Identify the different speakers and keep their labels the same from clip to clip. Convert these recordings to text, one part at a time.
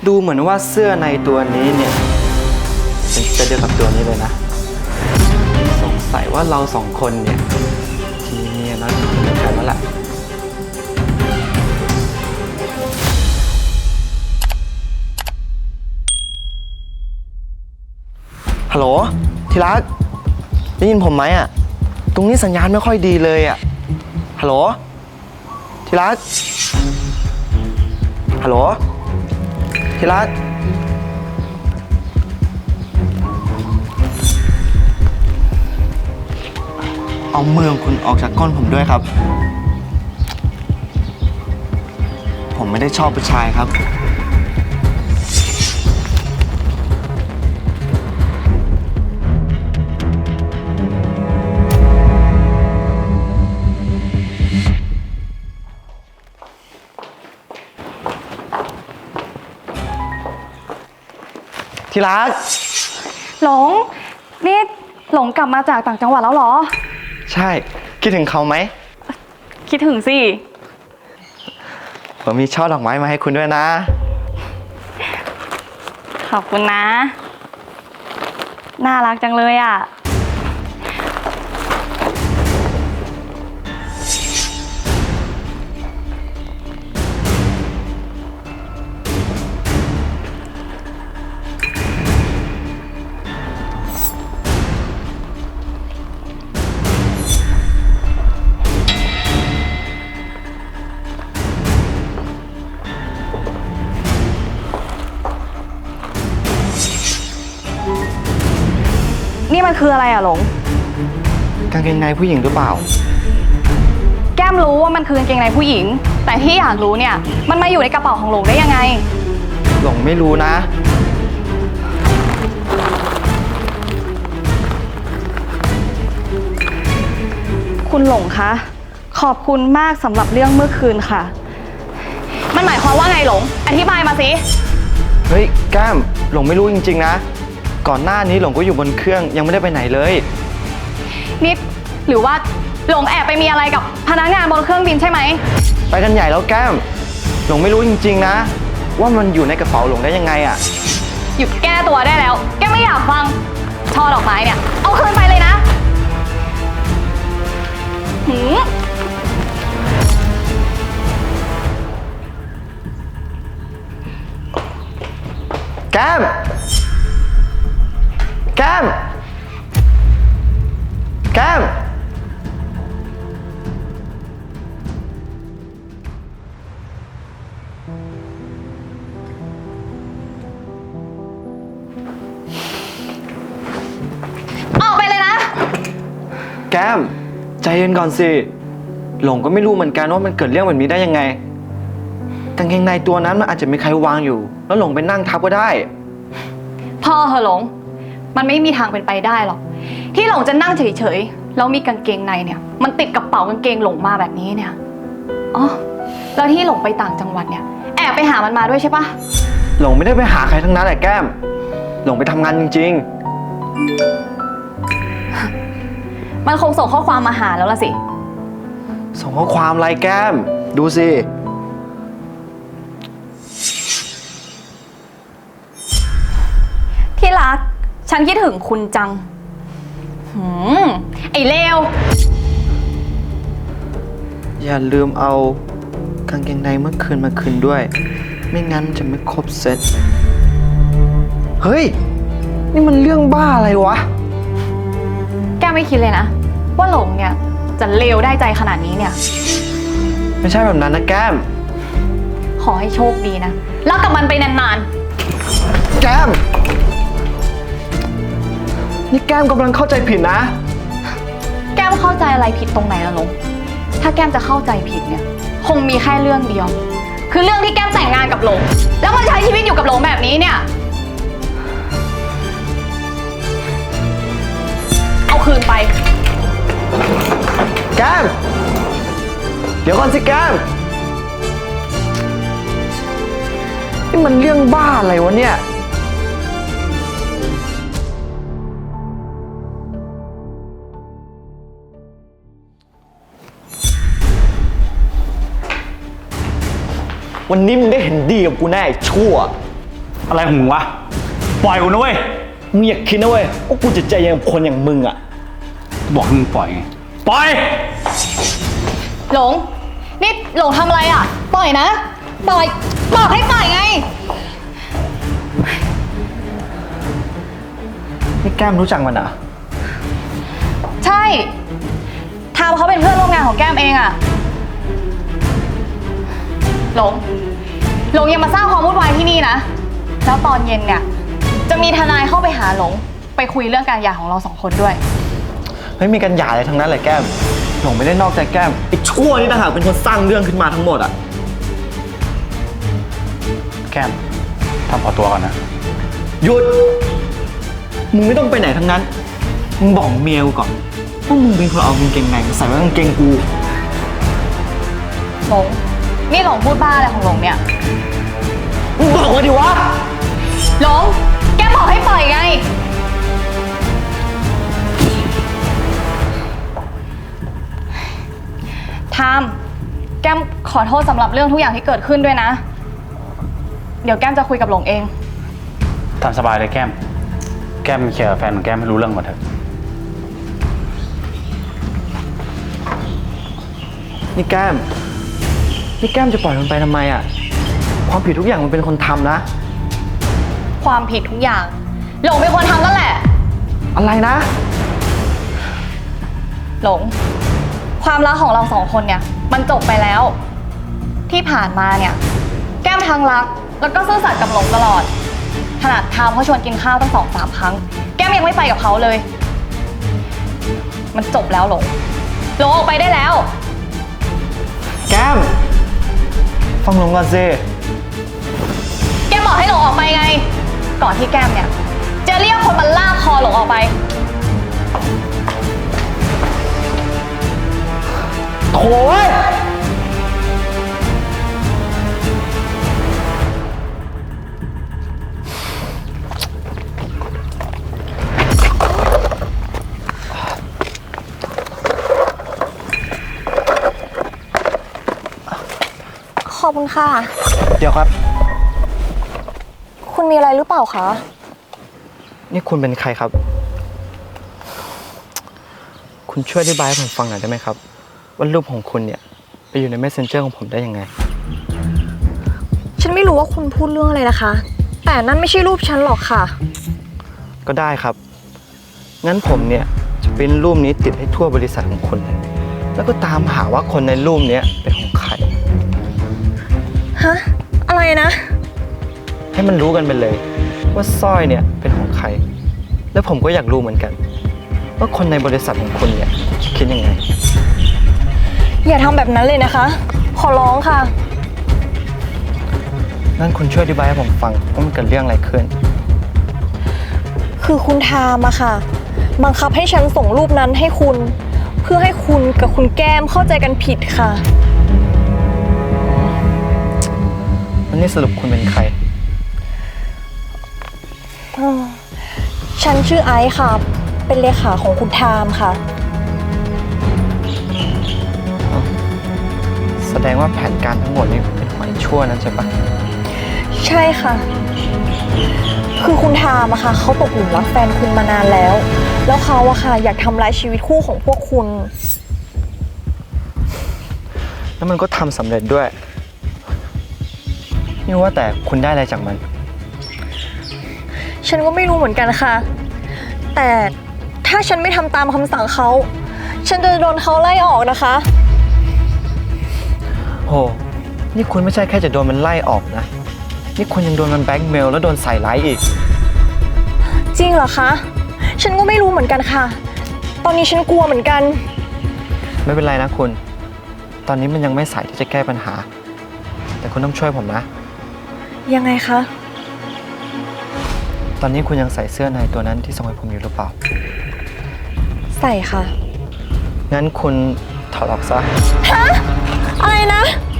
Speaker 1: ดูเหมือนว่าเสื้อในตัวนี้เนี่ยเป็นเดียวกับตัวนี้เลยนะสงสัยว่าเราสองคนเนี่ยทีนี้เราจะเหมือนกันแล้วแหละฮัลโหลที่รักได้ยินผมไหมอ่ะตรงนี้สัญญาณไม่ค่อยดีเลยอ่ะฮัลโหลที่รักฮัลโหลที่รักเอามือของคุณออกจากก้นผมด้วยครับผมไม่ได้ชอบผู้ชายครับที่รัก
Speaker 2: หลงนี่หลงกลับมาจากต่างจังหวัดแล้วเหรอ
Speaker 1: ใช่คิดถึงเขาไหม
Speaker 2: คิดถึงสิ
Speaker 1: ผมมีช่อดอกไม้มาให้คุณด้วยนะ
Speaker 2: ขอบคุณนะน่ารักจังเลยอ่ะนี่มันคืออะไรอะหลง
Speaker 1: กางเกงในผู้หญิงหรือเปล่า
Speaker 2: แก้มรู้ว่ามันคือกางเกงในผู้หญิงแต่ที่อยากรู้เนี่ยมันมาอยู่ในกระเป๋าของหลงได้ยังไง
Speaker 1: หลงไม่รู้นะ
Speaker 2: คุณหลงคะขอบคุณมากสำหรับเรื่องเมื่อคืนค่ะมันหมายความว่าไงหลงอธิบายมาสิ
Speaker 1: เฮ้ยแก้มหลงไม่รู้จริงๆนะก่อนหน้านี้หลงก็อยู่บนเครื่องยังไม่ได้ไปไหนเลย
Speaker 2: นิดหรือว่าหลงแอบไปมีอะไรกับพนักงานบนเครื่องบินใช่ไหม
Speaker 1: ไปกันใหญ่แล้วแก้มหลงไม่รู้จริงๆนะว่ามันอยู่ในกระเป๋าหลงได้ยังไงอ่ะ
Speaker 2: หยุดแก้ตัวได้แล้วแกไม่อยากฟังช่อดอกไม้เนี่ยเอาคืนไปเลยนะ
Speaker 1: แก้มแก้มแก้ม
Speaker 2: ออกไปเลยนะ
Speaker 1: แก้มใจเย็นก่อนสิหลงก็ไม่รู้เหมือนกันว่ามันเกิดเรื่องแบบนี้ได้ยังไงกางเกงในตัวนั้นมันอาจจะมีใครวางอยู่แล้วหลงไปนั่งทับก็ได้
Speaker 2: พ่อเหอะหลงมันไม่มีทางเป็นไปได้หรอกที่หลงจะนั่งเฉยๆแล้วมีกางเกงในเนี่ยมันติดกระเป๋ากางเกงหลงมาแบบนี้เนี่ยอ๋อแล้วที่หลงไปต่างจังหวัดเนี่ยแอบไปหามันมาด้วยใช่ปะ
Speaker 1: หลงไม่ได้ไปหาใครทั้งนั้นแหละแก้มหลงไปทำงานจริง
Speaker 2: ๆมันคงส่งข้อความมาหาแล้วล่ะสิ
Speaker 1: ส่งข้อความอะไรแก้มดูสิ
Speaker 2: ที่รักฉันคิดถึงคุณจังไอ้เลว
Speaker 1: อย่าลืมเอากางเกงในเมื่อคืนมาคืนด้วยไม่งั้นจะไม่ครบเซตเฮ้ยนี่มันเรื่องบ้าอะไรวะ
Speaker 2: แกไม่คิดเลยนะว่าหลงเนี่ยจะเลวได้ใจขนาดนี้เนี่ย
Speaker 1: ไม่ใช่แบบนั้นนะแก้ม
Speaker 2: ขอให้โชคดีนะรักกับมันไปนาน
Speaker 1: ๆแก้มนี่แก้มกำลังเข้าใจผิดนะ
Speaker 2: แก้มเข้าใจอะไรผิดตรงไหนล่ะหลงถ้าแก้มจะเข้าใจผิดเนี่ยคงมีแค่เรื่องเดียวคือเรื่องที่แก้มแต่งงานกับหลงแล้วมาใช้ชีวิตอยู่กับหลงแบบนี้เนี่ยเอาคืนไป
Speaker 1: แก้มเดี๋ยวก่อนสิแก้มนี่มันเรื่องบ้าอะไรวะเนี่ย วันนี้มึงได้เห็นดีกับกูแน่ชั่ว
Speaker 3: อะไรของมึงวะ ปล่อยกูนะเว้ย
Speaker 1: มึงอย่าคิดนะเว้ยว่ากูจะใจเย็นกับคนอย่างมึงอะ
Speaker 3: บอกให้มึงปล่อยไง ปล่อย
Speaker 2: หลง นี่หลงทำอะไรอ่ะ ปล่อยนะ ปล่อย บอกให้ปล่อยไง
Speaker 1: นี่แก้มรู้จักมันเหรอ
Speaker 2: ใช่ทามเขาเป็นเพื่อนร่วมงานของแก้มเองอะหลง หลงยังมาสร้างความวุ่นวายที่นี่นะ แล้วตอนเย็นเนี่ย จะมีทนายเข้าไปหาหลง ไปคุยเรื่องการหย่าของเราสองคนด้วย
Speaker 1: ไม่มีกันหย่าอะไรทั้งนั้นเลยแก้ม หลงไม่ได้นอกใจแก้มไอ้ชั่วนี่ต่างหากเป็นคนสร้างเรื่องขึ้นมาทั้งหมดอะ
Speaker 3: แก้มทำขอตัวก่อนนะ
Speaker 1: หยุด มึงไม่ต้องไปไหนทั้งนั้น มึงบอกเมียกูก่อนว่ามึงเป็นคนเอากางเกงในมาใส่ไว้กางเกงกู
Speaker 2: หลง นี่หลงพูดบ้าอะไรของหลงเนี่ย
Speaker 1: มึงบอกมาดิวะ
Speaker 2: หลง แก้มบอกให้ปล่อยไง ทาม แก้มขอโทษสำหรับเรื่องทุกอย่างที่เกิดขึ้นด้วยนะ เดี๋ยวแก้มจะคุยกับหลงเอง
Speaker 3: ตามสบายเลยแก้ม แก้มเคลียร์กับแฟนของแก้มให้รู้เรื่องก่อนเถอะ
Speaker 1: นี่แก้ม นี่แก้มจะปล่อยมันไปทำไมอะความผิดทุกอย่างมันเป็นคนทำนะ
Speaker 2: ความผิดทุกอย่าง หลงเป็นคนทำนั่นแหละ
Speaker 1: อะไรนะ
Speaker 2: หลง ความรักของเราสองคนเนี่ย มันจบไปแล้ว ที่ผ่านมาเนี่ย แก้มทั้งรัก แล้วก็ซื่อสัตย์กับหลงตลอด ขนาดทามเขาชวนกินข้าวตั้ง2-3 ครั้ง แก้มยังไม่ไปกับเขาเลย มันจบแล้วหลง หลงออกไปได้แล้ว
Speaker 1: แก้ม ฟังหลงก่อนสิ
Speaker 2: แก้มบอกให้หลงออกไปไง ก่อนที่แก้มเนี่ย จะเรียกคนมาลากคอหลงออกไป
Speaker 1: โถ่เว้ย
Speaker 4: ขอบคุณค่ะ
Speaker 1: เดี๋ยวครับ
Speaker 4: คุณมีอะไรหรือเปล่าคะ
Speaker 1: นี่คุณเป็นใครครับ คุณช่วยอธิบายให้ผมฟังหน่อยได้ไหมครับ ว่ารูปของคุณเนี่ยไปอยู่ใน Messenger ของผมได้ยังไง
Speaker 4: ฉันไม่รู้ว่าคุณพูดเรื่องอะไรนะคะ แต่นั่นไม่ใช่รูปฉันหรอกค่ะ
Speaker 1: ก็ได้ครับ งั้นผมเนี่ยจะปริ้นรูปนี้ติดให้ทั่วบริษัทของคุณเลยแล้วก็ตามหาว่าคนในรูปเนี้ยเป็นของใคร
Speaker 4: ฮะ อะไรนะ
Speaker 1: ให้มันรู้กันไปเลย ว่าสร้อยเนี่ยเป็นของใคร แล้วผมก็อยากรู้เหมือนกัน ว่าคนในบริษัทของคุณเนี่ยคิดยังไง
Speaker 4: อย่าทำแบบนั้นเลยนะคะ ขอร้องค่ะ
Speaker 1: งั้นคุณช่วยอธิบายให้ผมฟังว่ามันเกิดเรื่องอะไรขึ้น
Speaker 4: คือคุณทามอะค่ะ บังคับให้ฉันส่งรูปนั้นให้คุณ เพื่อให้คุณกับคุณแก้มเข้าใจกันผิดค่ะ
Speaker 1: วันนี้สรุปคุณเป็นใคร
Speaker 4: ฉันชื่อไอซ์ค่ะ เป็นเลขาของคุณทามค่ะ
Speaker 1: แสดงว่าแผนการทั้งหมดนี้เป็นของไอ้ชั่วนั้นใช่ปะ
Speaker 4: ใช่ค่ะ คือคุณทามอะค่ะเขาตกหลุมรักแฟนคุณมานานแล้ว แล้วเขาอะค่ะอยากทำร้ายชีวิตคู่ของพวกคุณ
Speaker 1: แล้วมันก็ทำสำเร็จด้วย นี่ว่าแต่คุณได้อะไรจากมัน
Speaker 4: ฉันก็ไม่รู้เหมือนกันค่ะ แต่ถ้าฉันไม่ทำตามคำสั่งเขา ฉันจะโดนเขาไล่ออกนะคะ
Speaker 1: โห นี่คุณไม่ใช่แค่จะโดนมันไล่ออกนะ นี่คุณยังโดนมันแบล็กเมลแล้วโดนใส่ร้ายอีก
Speaker 4: จริงเหรอคะ ฉันก็ไม่รู้เหมือนกันค่ะ ตอนนี้ฉันกลัวเหมือนกัน
Speaker 1: ไม่เป็นไรนะคุณ ตอนนี้มันยังไม่สายที่จะแก้ปัญหา แต่คุณต้องช่วยผมนะ
Speaker 4: ยังไงคะ
Speaker 1: ตอนนี้คุณยังใส่เสื้อในตัวนั้นที่ส่งให้ผมอยู่หรือเปล่า
Speaker 4: ใส่ค่ะ
Speaker 1: งั้นคุณถอดออกซะ
Speaker 4: อะไรนะ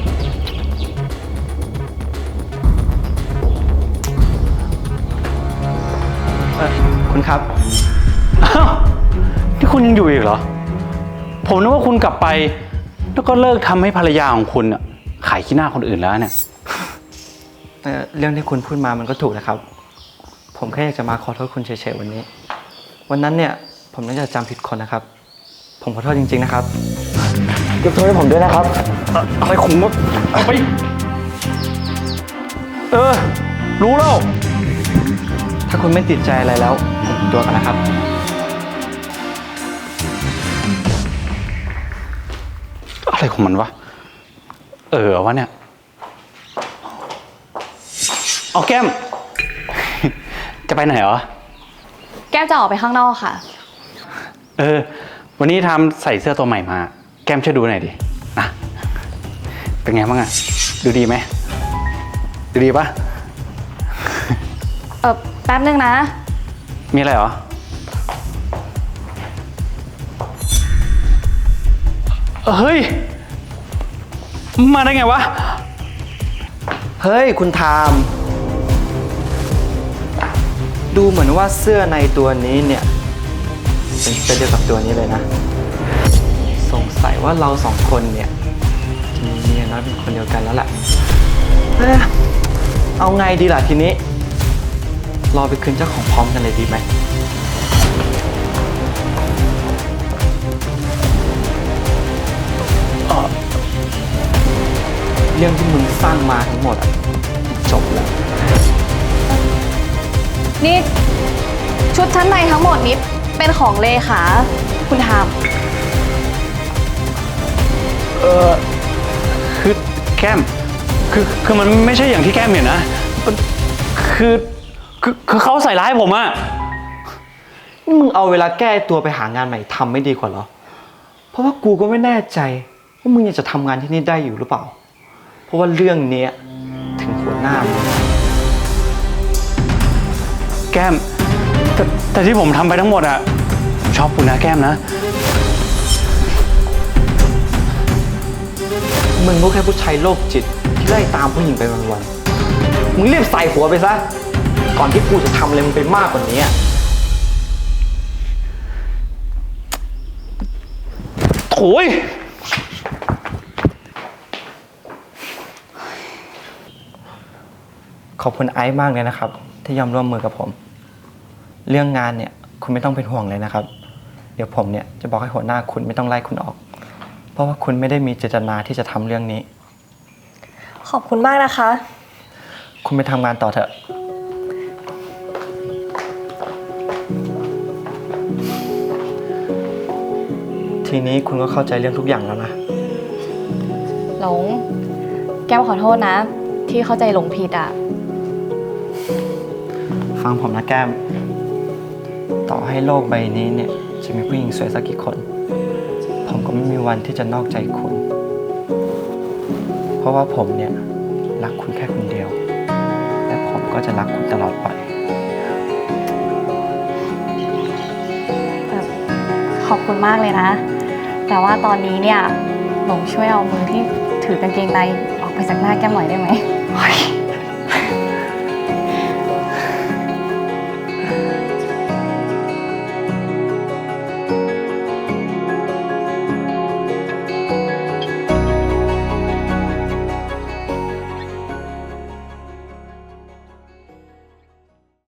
Speaker 1: คุณครับ
Speaker 3: อ้าวนี่คุณยังอยู่อีกเหรอ ผมนึกว่าคุณกลับไป แล้วก็เลิกทำให้ภรรยาของคุณอะขายขี้หน้าคนอื่นแล้วเนี่ย
Speaker 1: เรื่องที่คุณพูดมามันก็ถูกนะครับ ผมแค่อยากจะมาขอโทษคุณเฉยๆวันนี้ วันนั้นเนี่ยผมน่าจะจำผิดคนนะครับ ผมขอโทษจริงๆนะครับยกโทษให้ผมด้วยนะครับ
Speaker 3: อะไรของมึงเอาไป รู้แล้ว
Speaker 1: ถ้าคุณไม่ติดใจอะไรแล้ว ผมขอตัวกันนะครับ
Speaker 3: อะไรของมันวะ วะเนี่ย เอาแก้ม จะไปไหนเหรอ
Speaker 2: แก้มจะออกไปข้างนอกค่ะ
Speaker 3: วันนี้ทำใส่เสื้อตัวใหม่มา แก้มช่วยดูหน่อยดิ นะ เป็นไงบ้างอะดูดีไหม ดูดีปะ
Speaker 2: แป๊บนึงนะ
Speaker 3: มีอะไรเหรอ เฮ้ย มาได้ไงวะ
Speaker 1: เฮ้ยคุณทาม ดูเหมือนว่าเสื้อในตัวนี้เนี่ยเป็นเสื้อเดียวกับตัวนี้เลยนะ สงสัยว่าเราสองคนเนี่ยจะมีเมียน้อยเป็นคนเดียวกันแล้วแหละเอาไงดีล่ะทีนี้ รอไปคืนเจ้าของพร้อมกันเลยดีไหมเรื่องที่มึงสร้างมาทั้งหมดอะจบแล้ว
Speaker 2: นี่ชุดชั้นในทั้งหมดนี้เป็นของเลขาคุณทาม
Speaker 3: คือแก้ม คือมันไม่ใช่อย่างที่แก้มเห็นนะมันคือเขาใส่ร้ายผมอะ
Speaker 1: นี่มึงเอาเวลาแก้ตัวไปหางานใหม่ทำไม่ดีกว่าเหรอ เพราะว่ากูก็ไม่แน่ใจว่ามึงยังจะทำงานที่นี่ได้อยู่หรือเปล่า เพราะว่าเรื่องเนี้ยถึงหัวหน้ามึง
Speaker 3: แก้มแต่ที่ผมทำไปทั้งหมดอะผมชอบคุณนะแก้มนะ
Speaker 1: มึงก็แค่ผู้ชายโรคจิตที่ไล่ตามผู้หญิงไปวันๆ มึงรีบใส่หัวไปซะ ก่อนที่กูจะทำอะไรมึงไปมากกว่านี้
Speaker 3: โถ่ย
Speaker 1: ขอบคุณไอซ์มากเลยนะครับ ที่ยอมร่วมมือกับผม เรื่องงานเนี่ยคุณไม่ต้องเป็นห่วงเลยนะครับ เดี๋ยวผมเนี่ยจะบอกให้หัวหน้าคุณไม่ต้องไล่คุณออก เพราะว่าคุณไม่ได้มีเจตนาที่จะทำเรื่องนี้
Speaker 4: ขอบคุณมากนะคะ
Speaker 1: คุณไปทำงานต่อเถอะ ทีนี้คุณก็เข้าใจเรื่องทุกอย่างแล้วนะ
Speaker 2: หลง แก้มขอโทษนะ ที่เข้าใจหลงผิดอ่ะ
Speaker 1: ฟังผมนะแก้ม ต่อให้โลกใบนี้เนี่ยจะมีผู้หญิงสวยสักกี่คน ผมก็ไม่มีวันที่จะนอกใจคุณ เพราะว่าผมเนี่ยรักคุณแค่คนเดียว และผมก็จะรักคุณตลอดไป
Speaker 2: ขอบคุณมากเลยนะ แต่ว่าตอนนี้เนี่ยหลงช่วยเอามือที่ถือกางเกงในออกไปจากหน้าแก้มหน่อยได้ไหม